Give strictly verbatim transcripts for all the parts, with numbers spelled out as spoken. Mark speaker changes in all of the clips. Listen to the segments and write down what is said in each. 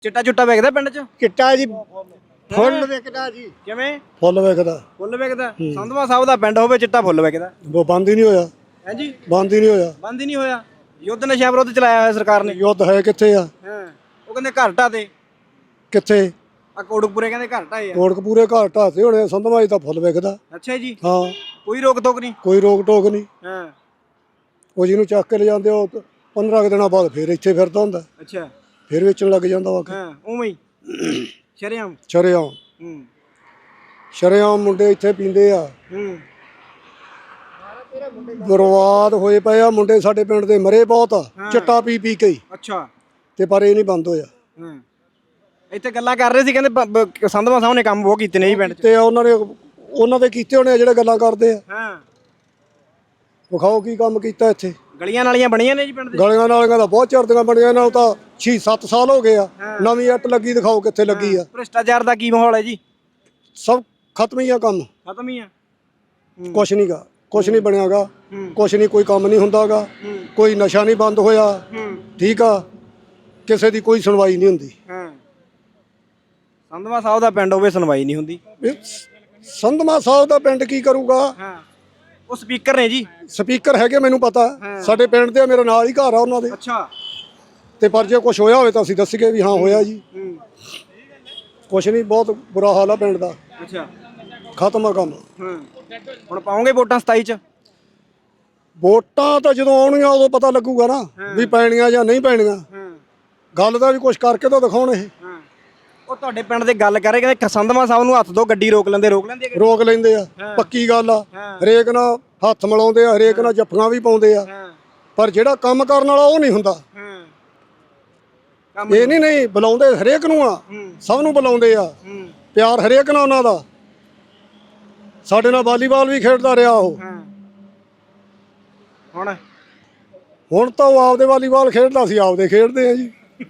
Speaker 1: ਚਿੱਟਾ ਚੁੱਟਾ ਵੇਚਦਾ ਪਿੰਡ 'ਚ?
Speaker 2: ਚਿੱਟਾ ਜੀ ਫੁੱਲ ਵਿਕਦਾ ਜੀ।
Speaker 1: ਕਿਵੇਂ
Speaker 3: ਫੁੱਲ ਵਿਕਦਾ?
Speaker 1: ਫੁੱਲ ਵੇਚਦਾ? ਸੰਧਵਾ ਸਾਹਿਬ ਦਾ ਪਿੰਡ ਹੋਵੇ ਚਿੱਟਾ ਫੁੱਲ ਵੇਚਦਾ?
Speaker 3: ਉਹ ਬੰਦ ਹੀ ਨਹੀਂ ਹੋਇਆ।
Speaker 1: ਹੈ ਜੀ,
Speaker 3: ਬੰਦ ਹੀ ਨਹੀਂ ਹੋਇਆ।
Speaker 1: ਬੰਦ ਹੀ ਨਹੀਂ ਹੋਇਆ। ਯੁੱਧ ਨਸ਼ਾ ਵਿਰੁੱਧ ਚਲਾਇਆ ਹੋਇਆ ਸਰਕਾਰ ਨੇ।
Speaker 3: ਯੁੱਧ ਹੈ ਕਿੱਥੇ ਆ?
Speaker 1: ਹਾਂ, ਉਹ ਕਹਿੰਦੇ ਘਰ ਢਾਹ ਤੇ
Speaker 3: ਕਿੱਥੇ?
Speaker 1: ਆ ਕੋੜਕਪੁਰੇ ਕਹਿੰਦੇ ਘਰ ਢਾਏ ਆ।
Speaker 3: ਕੋਟਕਪੂਰੇ ਘਰ ਢਾਤੇ ਹੋਣੇ, ਸੰਧਵਾਈ ਤਾਂ ਫੁੱਲ ਵਿਕਦਾ।
Speaker 1: ਅੱਛਾ ਜੀ,
Speaker 3: ਹਾਂ,
Speaker 1: ਕੋਈ ਰੋਕ ਟੋਕ ਨਹੀਂ?
Speaker 3: ਕੋਈ ਰੋਕ ਟੋਕ ਨਹੀਂ।
Speaker 1: ਹਾਂ,
Speaker 3: ਉਹ ਜਿਹਨੂੰ ਚੱਕ ਕੇ ਲੈ ਜਾਂਦੇ ਉਹ ਪੰਦਰਾਂ ਕੁ ਦਿਨਾਂ ਬਾਅਦ ਫੇਰ ਇੱਥੇ ਫਿਰਦਾ ਹੁੰਦਾ,
Speaker 1: ਅੱਛਾ।
Speaker 3: ਫੇਰ ਵੇਚਣ ਲੱਗ ਜਾਂਦਾ ਵਾ।
Speaker 1: ਹਾਂ, ਉਵੇਂ ਹੀ ਸ਼ਰੇਆਮ।
Speaker 3: ਸ਼ਰੇਆਮ
Speaker 1: ਹੂੰ
Speaker 3: ਸ਼ਰੇਆਮ ਮੁੰਡੇ ਇੱਥੇ ਪੀਂਦੇ ਆ।
Speaker 1: ਹੂੰ
Speaker 3: ਬਰਬਾਦ ਹੋਏ ਪਏ ਆ ਮੁੰਡੇ, ਸਾਡੇ ਪਿੰਡ ਦੇ ਮਰੇ ਬਹੁਤ ਆ ਚਿੱਟਾ ਪੀ ਪੀ ਕੇ ਹੀ।
Speaker 1: ਅੱਛਾ।
Speaker 3: ਤੇ ਪਰ ਇਹ ਨਹੀਂ ਬੰਦ ਹੋਇਆ।
Speaker 1: ਹਾਂ, ਇੱਥੇ ਗੱਲਾਂ ਕਰ ਰਹੇ ਸੀ, ਕਹਿੰਦੇ ਬ- ਬ- ਸੰਧਵਾ ਸਾਹਿਬ ਨੇ ਕੰਮ ਬਹੁਤ ਕੀਤੇ ਨੇ ਜੀ ਪਿੰਡ 'ਚ।
Speaker 3: ਤੇ ਉਹਨਾਂ ਨੇ ਉਹਨਾਂ ਦੇ ਕੀਤੇ ਹੋਣੇ ਆ ਜਿਹੜੇ ਗੱਲਾਂ ਕਰਦੇ ਆ।
Speaker 1: ਹਾਂ,
Speaker 3: ਵਿਖਾਓ ਕੀ ਕੰਮ ਕੀਤਾ ਇੱਥੇ।
Speaker 1: ਗਲੀਆਂ ਨਾਲੀਆਂ ਬਣੀਆਂ ਨੇ ਜੀ ਪਿੰਡ ਦੇ?
Speaker 3: ਗਲੀਆਂ ਨਾਲੀਆਂ ਤਾਂ ਬਹੁਤ ਚਿਰਦੀਆਂ ਬਣੀਆਂ, ਇਹਨਾਂ ਨੂੰ ਤਾਂ ਛੇ ਸੱਤ ਸਾਲ ਹੋ ਗਏ ਆ। ਨਵੀਂ ਇੱਟ ਲੱਗੀ, ਦਿਖਾਓ ਕਿੱਥੇ ਲੱਗੀ ਆ।
Speaker 1: ਭ੍ਰਿਸ਼ਟਾਚਾਰ ਦਾ ਕੀ ਮਾਹੌਲ ਹੈ ਜੀ?
Speaker 3: ਸਭ ਖਤਮ ਹੀ ਆ ਕੰਮ,
Speaker 1: ਖਤਮ ਹੀ ਆ।
Speaker 3: ਕੁਛ ਨਹੀਂ ਗਾ, ਕੁਛ ਨਹੀਂ ਬਣਿਆਗਾ,
Speaker 1: ਹੂੰ।
Speaker 3: ਕੁਛ ਨਹੀਂ, ਕੋਈ ਕੰਮ ਨਹੀਂ ਹੁੰਦਾਗਾ,
Speaker 1: ਹੂੰ।
Speaker 3: ਕੋਈ ਨਸ਼ਾ ਨਹੀਂ ਬੰਦ ਹੋਇਆ।
Speaker 1: ਹੂੰ।
Speaker 3: ਠੀਕ ਆ, ਕਿਸੇ ਦੀ ਕੋਈ ਸੁਣਵਾਈ ਨਹੀਂ ਹੁੰਦੀ।
Speaker 1: ਹਾਂ, ਸੰਧਵਾ ਸਾਹਿਬ ਦਾ ਪਿੰਡ ਹੋਵੇ ਸੁਣਵਾਈ ਨਹੀਂ ਹੁੰਦੀ।
Speaker 3: ਇਹ ਸੰਧਮਾ ਸਾਹਿਬ ਦਾ ਪਿੰਡ ਕੀ ਕਰੂਗਾ?
Speaker 1: ਹਾਂ, ਉਹ ਸਪੀਕਰ ਨੇ ਜੀ।
Speaker 3: ਸਪੀਕਰ ਹੈਗੇ ਮੈਨੂੰ ਪਤਾ, ਸਾਡੇ ਪਿੰਡ ਦੇ ਮੇਰੇ ਨਾਲ ਹੀ ਘਰ ਆ ਉਹਨਾਂ ਦੇ।
Speaker 1: ਅੱਛਾ।
Speaker 3: ਤੇ ਪਰ ਜੇ ਕੁਛ ਹੋਇਆ ਹੋਵੇ ਤਾਂ ਅਸੀਂ ਦੱਸੀਏ ਵੀ ਹਾਂ ਹੋਇਆ ਜੀ।
Speaker 1: ਹੂੰ।
Speaker 3: ਕੁਛ ਨਹੀਂ, ਬਹੁਤ ਬੁਰਾ ਹਾਲ ਆ ਪਿੰਡ ਦਾ,
Speaker 1: ਅੱਛਾ।
Speaker 3: ਖਤਮ ਆ ਕੰਮ।
Speaker 1: ਹਾਂ, ਹੁਣ ਪਾਉਂਗੇ ਵੋਟਾਂ ਸਤਾਈ 'ਚ?
Speaker 3: ਵੋਟਾਂ ਤਾਂ ਜਦੋਂ ਆਉਣਗੀਆਂ ਉਦੋਂ ਪਤਾ ਲੱਗੂਗਾ ਨਾ ਵੀ ਪੈਣੀਆਂ ਜਾਂ ਨਹੀਂ ਪੈਣੀਆਂ।
Speaker 1: ਹਾਂ।
Speaker 3: ਗੱਲ ਦਾ ਵੀ ਕੁਛ ਕਰਕੇ ਤਾਂ ਦਿਖਾਉਣ। ਇਹ
Speaker 1: ਹਾਂ, ਉਹ ਤੁਹਾਡੇ ਪਿੰਡ ਦੇ ਗੱਲ ਕਰ ਰਹੇ, ਕਹਿੰਦੇ ਸੰਧਵਾ ਸਾਹਿਬ ਨੂੰ ਹੱਥ ਦੋ, ਗੱਡੀ ਰੋਕ ਲੈਂਦੇ ਰੋਕ ਲੈਂਦੇ ਆ?
Speaker 3: ਰੋਕ ਲੈਂਦੇ ਆ, ਪੱਕੀ ਗੱਲ ਆ। ਹਰੇਕ ਨਾਲ ਹੱਥ ਮਿਲਾਉਂਦੇ ਆ, ਹਰੇਕ ਨਾਲ ਜੱਫੀਆਂ ਵੀ ਪਾਉਂਦੇ ਆ,
Speaker 1: ਹਾਂ।
Speaker 3: ਪਰ ਜਿਹੜਾ ਕੰਮ ਕਰਨ ਵਾਲਾ ਉਹ ਨਹੀਂ ਹੁੰਦਾ।
Speaker 1: ਹਾਂ, ਕੰਮ
Speaker 3: ਇਹ ਨਹੀਂ ਨਹੀਂ ਬੁਲਾਉਂਦੇ ਹਰੇਕ ਨੂੰ ਆ, ਸਭ ਨੂੰ ਬੁਲਾਉਂਦੇ ਆ।
Speaker 1: ਹੂੰ।
Speaker 3: ਪਿਆਰ ਹਰੇਕ ਨਾਲ ਉਹਨਾਂ ਦਾ। ਸਾਡੇ ਨਾਲ ਵਾਲੀਬਾਲ ਵੀ ਖੇਡਦਾ ਰਿਹਾ ਉਹ।
Speaker 1: ਹਾਂ, ਹੁਣ
Speaker 3: ਹੁਣ ਤਾਂ ਉਹ ਆਪਦੇ ਵਾਲੀਬਾਲ ਖੇਡਦਾ ਸੀ, ਆਪਦੇ ਖੇਡਦੇ ਆ ਜੀ।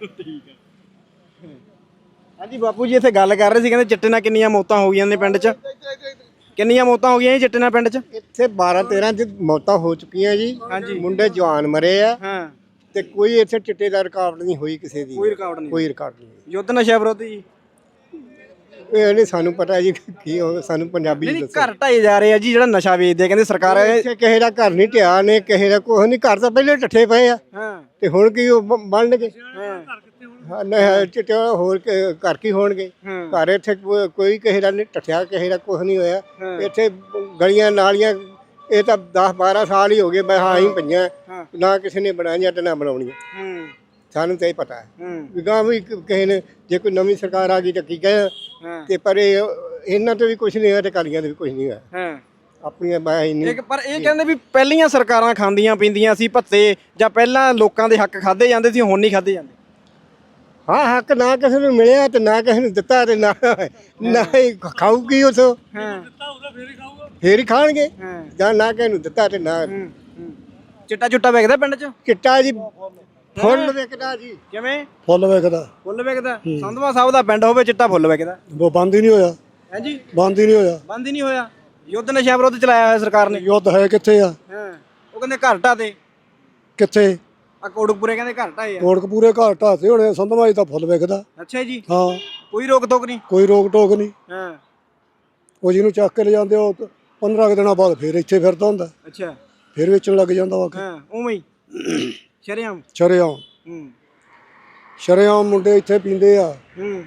Speaker 1: ਹਾਂਜੀ ਬਾਪੂ ਜੀ, ਇੱਥੇ ਗੱਲ ਕਰ ਰਹੇ ਸੀ, ਕਹਿੰਦੇ ਚਿੱਟੇ ਨਾਲ ਕਿੰਨੀਆਂ ਮੌਤਾਂ ਹੋ ਗਈਆਂ ਨੇ ਪਿੰਡ 'ਚ? ਕਿੰਨੀਆਂ ਮੌਤਾਂ ਹੋ ਗਈਆਂ ਜੀ ਚਿੱਟੇ ਨਾਲ ਪਿੰਡ 'ਚ?
Speaker 2: ਇੱਥੇ ਬਾਰਾਂ ਤੇਰਾਂ ਚ ਮੌਤਾਂ ਹੋ ਚੁੱਕੀਆਂ ਜੀ।
Speaker 1: ਹਾਂਜੀ।
Speaker 2: ਮੁੰਡੇ ਜਵਾਨ ਮਰੇ ਆ
Speaker 1: ਹਾਂ,
Speaker 2: ਤੇ ਕੋਈ ਇੱਥੇ ਚਿੱਟੇ ਦਾ ਰਿਕਾਰਡ ਨਹੀਂ ਹੋਈ ਕਿਸੇ ਦੀ।
Speaker 1: ਕੋਈ ਰਿਕਾਰਡ ਨਹੀਂ?
Speaker 2: ਕੋਈ ਰਿਕਾਰਡ ਨਹੀਂ।
Speaker 1: ਯੁੱਧ ਨਸ਼ਾ ਵਿਰੁੱਧ ਜੀ?
Speaker 2: ਇਹ ਨਹੀਂ ਸਾਨੂੰ ਪਤਾ ਜੀ ਕੀ ਹੋ, ਸਾਨੂੰ ਪੰਜਾਬੀ
Speaker 1: ਨਹੀਂ
Speaker 2: ਚ
Speaker 1: ਨਹੀਂ,
Speaker 2: ਦੱਸੋ।
Speaker 1: ਘਰ ਢਾਏ ਜਾ ਰਹੇ ਆ ਜੀ, ਜਿਹੜਾ ਨਸ਼ਾ ਵੇਚਦੇ ਆ, ਕਹਿੰਦੇ ਸਰਕਾਰ।
Speaker 2: ਇੱਥੇ ਕਿਸੇ ਦਾ ਘਰ ਨਹੀਂ ਢਿਆ ਨੇ, ਕਿਸੇ ਦਾ ਕੁਛ ਨਹੀਂ। ਘਰ ਤਾਂ ਪਹਿਲੇ ਠੱਠੇ ਪਏ ਆ,
Speaker 1: ਹਾਂ।
Speaker 2: ਤੇ ਹੁਣ ਕੀ ਉਹ ਬ- ਬਣਨਗੇ?
Speaker 1: ਹਾਂ।
Speaker 2: ਹਾਂ, ਨਹੀਂ ਚਿੱਟੇ ਹੋਰ ਕ- ਘਰ ਕੀ ਹੋਣਗੇ?
Speaker 1: ਹਾਂ।
Speaker 2: ਘਰ ਇੱਥੇ ਕੋ- ਕੋਈ ਕਿਸੇ ਦਾ ਨਹੀਂ ਠੱਠਿਆ, ਕਿਸੇ ਦਾ ਕੁਛ ਨਹੀਂ ਹੋਇਆ।
Speaker 1: ਹਾਂ।
Speaker 2: ਇੱਥੇ ਗਲੀਆਂ ਨਾਲੀਆਂ ਇਹ ਤਾਂ ਦਸ ਬਾਰਾਂ ਸਾਲ ਹੀ ਹੋ ਗਏ, ਮੈਂ ਹਾਂ ਹੀ ਪਈਆਂ,
Speaker 1: ਹਾਂ।
Speaker 2: ਨਾ ਕਿਸੇ ਨੇ ਬਣਾਈਆਂ ਤੇ ਨਾ ਬਣਾਉਣੀਆਂ।
Speaker 1: ਹੂੰ।
Speaker 2: ਸਾਨੂੰ ਤਾਂ ਇਹ ਪਤਾ ਹੈ
Speaker 1: ਹੂੰ।
Speaker 2: ਵੀ ਗਾਂ ਵੀ ਕ- ਕਿਸੇ ਨੇ ਜੇ ਕੋਈ ਨਵੀਂ ਸਰਕਾਰ ਆ ਗਈ ਤਾਂ ਕੀ ਕਹੇ।
Speaker 1: ਹਾਂ।
Speaker 2: ਤੇ ਪਰ ਇਹ ਇਹਨਾਂ ਤੋਂ ਵੀ ਕੁਝ ਨਹੀਂ ਹੋਇਆ ਤੇ ਕਾਲੀਆਂ ਤੋਂ ਵੀ ਕੁਝ ਨਹੀਂ ਹੋਇਆ।
Speaker 1: ਹਾਂ।
Speaker 2: ਆਪਣੀਆਂ ਬਾਹਾਂ ਹੀ ਨਹੀਂ।
Speaker 1: ਇੱਕ ਪਰ ਇਹ ਕਹਿੰਦੇ ਵੀ ਪਹਿਲੀਆਂ ਸਰਕਾਰਾਂ ਖਾਂਦੀਆਂ ਪੀਂਦੀਆਂ ਸੀ ਭੱਤੇ, ਜਾਂ ਪਹਿਲਾਂ ਲੋਕਾਂ ਦੇ ਹੱਕ ਖਾਦੇ ਜਾਂਦੇ ਸੀ, ਹੁਣ ਨਹੀਂ ਖਾਦੇ ਜਾਂਦੇ?
Speaker 2: ਹਾਂ, ਹੱਕ ਨਾ ਕਿਸੇ ਨੂੰ ਮਿਲਿਆ ਤੇ ਨਾ ਕਿਸੇ ਨੂੰ ਦਿੱਤਾ ਤੇ ਨਾ ਨਾ ਹੀ ਖਾਊ ਕੀ ਉਥੋਂ।
Speaker 1: ਹਾਂ।
Speaker 2: ਫੇਰ ਹੀ ਖਾਣਗੇ।
Speaker 1: ਹਾਂ।
Speaker 2: ਜਾਂ ਨਾ ਕਿਸੇ ਨੂੰ ਦਿੱਤਾ ਤੇ ਨਾ।
Speaker 1: ਹੂੰ। ਹੂੰ। ਚਿੱਟਾ ਚੁੱਟਾ ਵੇਚਦਾ ਪਿੰਡ 'ਚ?
Speaker 2: ਚਿੱਟਾ ਜੀ ਫੁੱਲ ਵਿਕਦਾ ਜੀ।
Speaker 1: ਕਿਵੇਂ
Speaker 3: ਫੁੱਲ ਵਿਕਦਾ?
Speaker 1: ਫੁੱਲ ਵੇਚਦਾ? ਸੰਧਵਾ ਸਾਹਿਬ ਦਾ ਪਿੰਡ ਹੋਵੇ ਚਿੱਟਾ ਫੁੱਲ ਵੇਚਦਾ?
Speaker 3: ਉਹ ਬੰਦ ਹੀ ਨਹੀਂ ਹੋਇਆ।
Speaker 1: ਹੈ ਜੀ,
Speaker 3: ਬੰਦ ਹੀ ਨਹੀਂ ਹੋਇਆ।
Speaker 1: ਬੰਦ ਹੀ ਨਹੀਂ ਹੋਇਆ। ਯੁੱਧ ਨਸ਼ਾ ਵਿਰੁੱਧ ਚਲਾਇਆ ਹੋਇਆ ਸਰਕਾਰ ਨੇ।
Speaker 3: ਯੁੱਧ ਹੈ ਕਿੱਥੇ ਆ?
Speaker 1: ਹਾਂ, ਉਹ ਕਹਿੰਦੇ ਘਰ ਢਾਹ ਤੇ
Speaker 3: ਕਿੱਥੇ?
Speaker 1: ਆ ਕੋੜਕਪੁਰੇ ਕਹਿੰਦੇ ਘਰ ਢਾਏ ਆ।
Speaker 3: ਕੋਟਕਪੂਰੇ ਘਰ ਢਾਤੇ ਹੋਣੇ, ਸੰਧਵਾਈ ਤਾਂ ਫੁੱਲ ਵਿਕਦਾ।
Speaker 1: ਅੱਛਾ ਜੀ,
Speaker 3: ਹਾਂ,
Speaker 1: ਕੋਈ ਰੋਕ ਟੋਕ ਨਹੀਂ?
Speaker 3: ਕੋਈ ਰੋਕ ਟੋਕ ਨਹੀਂ।
Speaker 1: ਹਾਂ।
Speaker 3: ਉਹ ਜਿਹਨੂੰ ਚੱਕ ਕੇ ਲੈ ਜਾਂਦੇ ਉਹ ਪੰਦਰਾਂ ਕੁ ਦਿਨਾਂ ਬਾਅਦ ਫੇਰ ਇੱਥੇ ਫਿਰਦਾ ਹੁੰਦਾ,
Speaker 1: ਅੱਛਾ।
Speaker 3: ਫੇਰ ਵੇਚਣ ਲੱਗ ਜਾਂਦਾ ਵਾ।
Speaker 1: ਹਾਂ, ਉਵੇਂ ਹੀ ਸ਼ਰੇਆਮ।
Speaker 3: ਸ਼ਰੇਆਮ
Speaker 1: ਹੂੰ।
Speaker 3: ਸ਼ਰੇਆਮ ਮੁੰਡੇ ਇੱਥੇ ਪੀਂਦੇ ਆ।
Speaker 1: ਹੂੰ।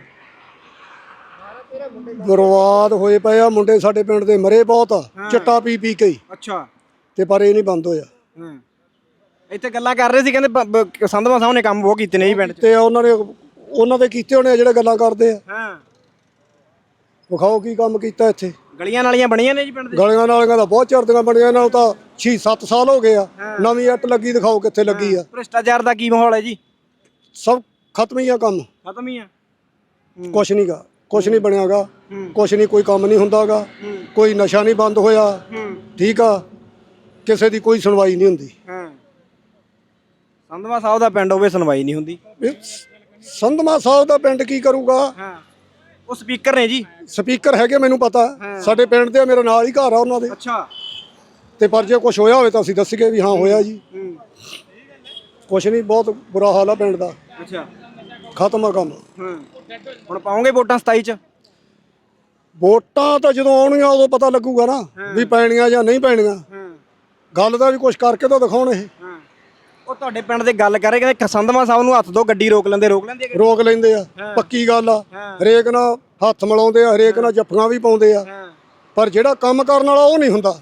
Speaker 3: ਬਰਬਾਦ ਹੋਏ ਪਏ ਆ ਮੁੰਡੇ, ਸਾਡੇ ਪਿੰਡ ਦੇ ਮਰੇ ਬਹੁਤ ਆ ਚਿੱਟਾ ਪੀ ਪੀ ਕੇ ਹੀ।
Speaker 1: ਅੱਛਾ।
Speaker 3: ਤੇ ਪਰ ਇਹ ਨਹੀਂ ਬੰਦ ਹੋਇਆ।
Speaker 1: ਹਾਂ, ਇੱਥੇ ਗੱਲਾਂ ਕਰ ਰਹੇ ਸੀ, ਕਹਿੰਦੇ ਬ- ਬ- ਸੰਧਵਾ ਸਾਹਿਬ ਨੇ ਕੰਮ ਬਹੁਤ ਕੀਤੇ ਨੇ ਜੀ ਪਿੰਡ 'ਚ।
Speaker 3: ਤੇ ਉਹਨਾਂ ਨੇ ਉਹਨਾਂ ਦੇ ਕੀਤੇ ਹੋਣੇ ਆ ਜਿਹੜੇ ਗੱਲਾਂ ਕਰਦੇ ਆ।
Speaker 1: ਹਾਂ,
Speaker 3: ਵਿਖਾਓ ਕੀ ਕੰਮ ਕੀਤਾ ਇੱਥੇ।
Speaker 1: ਗਲੀਆਂ ਨਾਲੀਆਂ ਬਣੀਆਂ ਨੇ ਜੀ ਪਿੰਡ ਦੇ?
Speaker 3: ਗਲੀਆਂ ਨਾਲੀਆਂ ਤਾਂ ਬਹੁਤ ਚਿਰਦੀਆਂ ਬਣੀਆਂ, ਇਹਨਾਂ ਨੂੰ ਤਾਂ ਛੇ ਸੱਤ ਸਾਲ ਹੋ ਗਏ ਆ। ਨਵੀਂ ਇੱਟ ਲੱਗੀ, ਦਿਖਾਓ ਕਿੱਥੇ ਲੱਗੀ ਆ।
Speaker 1: ਭ੍ਰਿਸ਼ਟਾਚਾਰ ਦਾ ਕੀ ਮਾਹੌਲ ਹੈ ਜੀ?
Speaker 3: ਸਭ ਖਤਮ ਹੀ ਆ ਕੰਮ,
Speaker 1: ਖਤਮ ਹੀ ਆ।
Speaker 3: ਕੁਛ ਨਹੀਂ ਗਾ, ਕੁਛ ਨਹੀਂ ਬਣਿਆਗਾ,
Speaker 1: ਹੂੰ।
Speaker 3: ਕੁਛ ਨਹੀਂ, ਕੋਈ ਕੰਮ ਨਹੀਂ ਹੁੰਦਾਗਾ,
Speaker 1: ਹੂੰ।
Speaker 3: ਕੋਈ ਨਸ਼ਾ ਨਹੀਂ ਬੰਦ ਹੋਇਆ।
Speaker 1: ਹੂੰ।
Speaker 3: ਠੀਕ ਆ, ਕਿਸੇ ਦੀ ਕੋਈ ਸੁਣਵਾਈ ਨਹੀਂ ਹੁੰਦੀ।
Speaker 1: ਹਾਂ, ਸੰਧਵਾ ਸਾਹਿਬ ਦਾ ਪਿੰਡ ਹੋਵੇ ਸੁਣਵਾਈ ਨਹੀਂ ਹੁੰਦੀ।
Speaker 3: ਇਹ ਸੰਧਮਾ ਸਾਹਿਬ ਦਾ ਪਿੰਡ ਕੀ ਕਰੂਗਾ?
Speaker 1: ਹਾਂ, ਉਹ ਸਪੀਕਰ ਨੇ ਜੀ।
Speaker 3: ਸਪੀਕਰ ਹੈਗੇ ਮੈਨੂੰ ਪਤਾ, ਸਾਡੇ ਪਿੰਡ ਦੇ ਮੇਰੇ ਨਾਲ ਹੀ ਘਰ ਆ ਉਹਨਾਂ ਦੇ।
Speaker 1: ਅੱਛਾ।
Speaker 3: ਤੇ ਪਰ ਜੇ ਕੁਛ ਹੋਇਆ ਹੋਵੇ ਤਾਂ ਅਸੀਂ ਦੱਸੀਏ ਵੀ ਹਾਂ ਹੋਇਆ ਜੀ।
Speaker 1: ਹੂੰ।
Speaker 3: ਕੁਛ ਨਹੀਂ, ਬਹੁਤ ਬੁਰਾ ਹਾਲ ਆ ਪਿੰਡ ਦਾ।
Speaker 1: ਅੱਛਾ।
Speaker 3: ਖਤਮ ਆ ਕੰਮ।
Speaker 1: ਹੂੰ ਹੁਣ ਪਾਉਂਗੇ ਵੋਟਾਂ ਸਤਾਈ ਚ?
Speaker 3: ਵੋਟਾਂ ਤਾਂ ਜਦੋਂ ਆਉਣੀਆਂ ਉਦੋਂ ਪਤਾ ਲੱਗੂਗਾ ਨਾ ਵੀ ਪੈਣੀਆਂ ਜਾਂ ਨਹੀਂ ਪੈਣੀਆਂ। ਗੱਲ ਦਾ ਵੀ ਕੁਝ ਕਰਕੇ ਤਾਂ ਦਿਖਾਉਣ ਇਹ।
Speaker 1: ਉਹ ਤੁਹਾਡੇ ਪਿੰਡ ਦੇ ਗੱਲ ਕਰ ਰਹੇ ਕਹਿੰਦੇ ਸੰਧਵਾ ਸਾਹਿਬ ਨੂੰ ਹੱਥ ਦੋ ਗੱਡੀ ਰੋਕ ਲੈਂਦੇ ਰੋਕ ਲੈਂਦੇ ਆ?
Speaker 3: ਰੋਕ ਲੈਂਦੇ ਆ, ਪੱਕੀ ਗੱਲ ਆ। ਹਰੇਕ ਨਾਲ ਹੱਥ ਮਿਲਾਉਂਦੇ ਆ, ਹਰੇਕ ਨਾਲ ਜੱਫੀਆਂ ਵੀ ਪਾਉਂਦੇ ਆ, ਪਰ ਜਿਹੜਾ ਕੰਮ ਕਰਨ ਵਾਲਾ ਉਹ ਨਹੀਂ ਹੁੰਦਾ।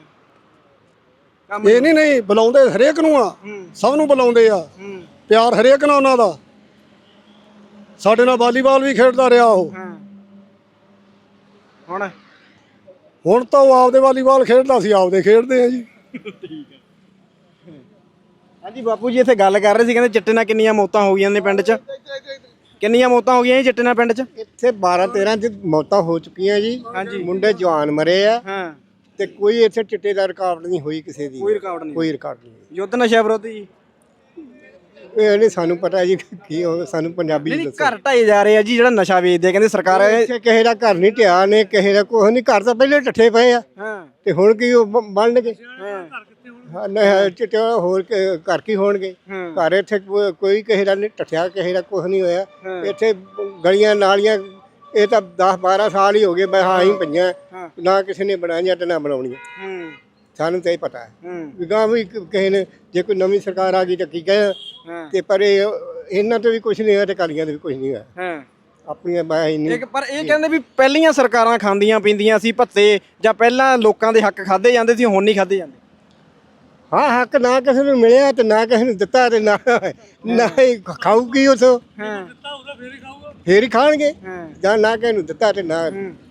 Speaker 3: ਇਹ ਨਹੀਂ ਨਹੀਂ ਬੁਲਾਉਂਦੇ ਹਰੇਕ ਨੂੰ ਆ, ਸਭ ਨੂੰ ਬੁਲਾਉਂਦੇ ਆ, ਪਿਆਰ ਹਰੇਕ ਨਾਲ ਉਹਨਾਂ ਦਾ। ਸਾਡੇ ਨਾਲ ਵਾਲੀਬਾਲ ਵੀ ਖੇਡਦਾ ਰਿਹਾ ਉਹ।
Speaker 1: ਹੁਣ
Speaker 3: ਹੁਣ ਤਾਂ ਉਹ ਆਪਦੇ ਵਾਲੀਬਾਲ ਖੇਡਦਾ ਸੀ, ਆਪਦੇ ਖੇਡਦੇ ਆ ਜੀ।
Speaker 1: ਹਾਂਜੀ ਬਾਪੂ ਜੀ ਇੱਥੇ ਗੱਲ ਕਰ ਰਹੇ ਸੀ ਕਹਿੰਦੇ ਚਿੱਟੇ ਨਾਲ ਕਿੰਨੀਆਂ ਮੌਤਾਂ ਹੋ ਗਈਆਂ ਨੇ ਪਿੰਡ 'ਚ? ਕਿੰਨੀਆਂ ਮੌਤਾਂ ਹੋ ਗਈਆਂ ਜੀ ਚਿੱਟੇ ਨਾਲ ਪਿੰਡ 'ਚ?
Speaker 2: ਇੱਥੇ ਬਾਰਾਂ ਤੇਰਾਂ ਚ ਮੌਤਾਂ ਹੋ ਚੁੱਕੀਆਂ ਜੀ।
Speaker 1: ਹਾਂਜੀ।
Speaker 2: ਮੁੰਡੇ ਜਵਾਨ ਮਰੇ ਆ
Speaker 1: ਹਾਂ
Speaker 2: ਤੇ ਕੋਈ ਇੱਥੇ ਚਿੱਟੇ ਦਾ ਰਿਕਾਰਡ ਨਹੀਂ ਹੋਈ ਕਿਸੇ ਦੀ।
Speaker 1: ਕੋਈ ਰਿਕਾਰਡ ਨਹੀਂ?
Speaker 2: ਕੋਈ ਰਿਕਾਰਡ ਨਹੀਂ।
Speaker 1: ਯੁੱਧ ਨਸ਼ਾ ਵਿਰੋਧੀ ਜੀ?
Speaker 2: ਇਹ ਨਹੀਂ ਸਾਨੂੰ ਪਤਾ ਜੀ ਕੀ ਹੋ, ਸਾਨੂੰ ਪੰਜਾਬੀ
Speaker 1: ਨਹੀਂ
Speaker 2: ਚ ਦੱਸੋ।
Speaker 1: ਘਰ ਢਾਏ ਜਾ ਰਹੇ ਆ ਜੀ ਜਿਹੜਾ ਨਸ਼ਾ ਵੇਚਦੇ ਆ ਕਹਿੰਦੇ ਸਰਕਾਰ।
Speaker 2: ਇੱਥੇ ਕਿਸੇ ਦਾ ਘਰ ਨਹੀਂ ਢਿਆ ਨੇ, ਕਿਸੇ ਦਾ ਕੁਛ ਨਹੀਂ। ਘਰ ਤਾਂ ਪਹਿਲੇ ਢੱਠੇ ਪਏ ਆ
Speaker 1: ਹਾਂ
Speaker 2: ਤੇ ਹੁਣ ਕੀ ਉਹ ਬ- ਬਣਨਗੇ?
Speaker 1: ਹਾਂ
Speaker 2: ਹਾਂ, ਨਹੀਂ ਚਿੱਟੇ ਹੋਰ ਕ- ਘਰ ਕੀ ਹੋਣਗੇ?
Speaker 1: ਹਾਂ।
Speaker 2: ਘਰ ਇੱਥੇ ਕੋ- ਕੋਈ ਕਿਸੇ ਦਾ ਨਹੀਂ ਢੱਠਿਆ, ਕਿਸੇ ਦਾ ਕੁਛ ਨਹੀਂ ਹੋਇਆ।
Speaker 1: ਹਾਂ।
Speaker 2: ਇੱਥੇ ਗਲੀਆਂ ਨਾਲੀਆਂ ਇਹ ਤਾਂ ਦਸ ਬਾਰਾਂ ਸਾਲ ਹੀ ਹੋ ਗਏ ਮੈਂ ਹਾਂ ਹੀ ਪਈਆਂ,
Speaker 1: ਹਾਂ।
Speaker 2: ਨਾ ਕਿਸੇ ਨੇ ਬਣਾਈਆਂ ਤੇ ਨਾ ਬਣਾਉਣੀਆਂ।
Speaker 1: ਹੂੰ
Speaker 2: ਸਾਨੂੰ ਤਾਂ ਇਹ ਪਤਾ ਹੈ
Speaker 1: ਹੂੰ
Speaker 2: ਵੀ ਗਾਂ ਵੀ ਕ- ਕਿਸੇ ਨੇ ਜੇ ਕੋਈ ਨਵੀਂ ਸਰਕਾਰ ਆ ਗਈ ਤਾਂ ਕੀ ਕਹੇ।
Speaker 1: ਹਾਂ
Speaker 2: ਤੇ ਪਰ ਇਹ ਇਹਨਾਂ ਤੋਂ ਵੀ ਕੁਝ ਨਹੀਂ ਹੋਇਆ ਤੇ ਕਾਲੀਆਂ ਤੋਂ ਵੀ ਕੁਝ ਨਹੀਂ ਹੋਇਆ।
Speaker 1: ਹਾਂ
Speaker 2: ਆਪਣੀਆਂ ਮੈਂ ਇੰਨੀ
Speaker 1: ਇੱਕ ਪਰ ਇਹ ਕਹਿੰਦੇ ਵੀ ਪਹਿਲੀਆਂ ਸਰਕਾਰਾਂ ਖਾਂਦੀਆਂ ਪੀਂਦੀਆਂ ਸੀ ਭੱਤੇ, ਜਾਂ ਪਹਿਲਾਂ ਲੋਕਾਂ ਦੇ ਹੱਕ ਖਾਦੇ ਜਾਂਦੇ ਸੀ, ਹੁਣ ਨਹੀਂ ਖਾਦੇ ਜਾਂਦੇ?
Speaker 2: ਹਾਂ ਹੱਕ ਨਾ ਕਿਸੇ ਨੂੰ ਮਿਲਿਆ ਤੇ ਨਾ ਕਿਸੇ ਨੂੰ ਦਿੱਤਾ ਤੇ ਨਾ ਨਾ ਹੀ ਖਾਊਗੀ ਉਥੋਂ।
Speaker 1: ਹਾਂ
Speaker 2: ਫੇਰ ਹੀ ਖਾਣਗੇ।
Speaker 1: ਹਾਂ
Speaker 2: ਜਾਂ ਨਾ ਕਿਸੇ ਨੂੰ ਦਿੱਤਾ ਤੇ ਨਾ
Speaker 1: ਹੂੰ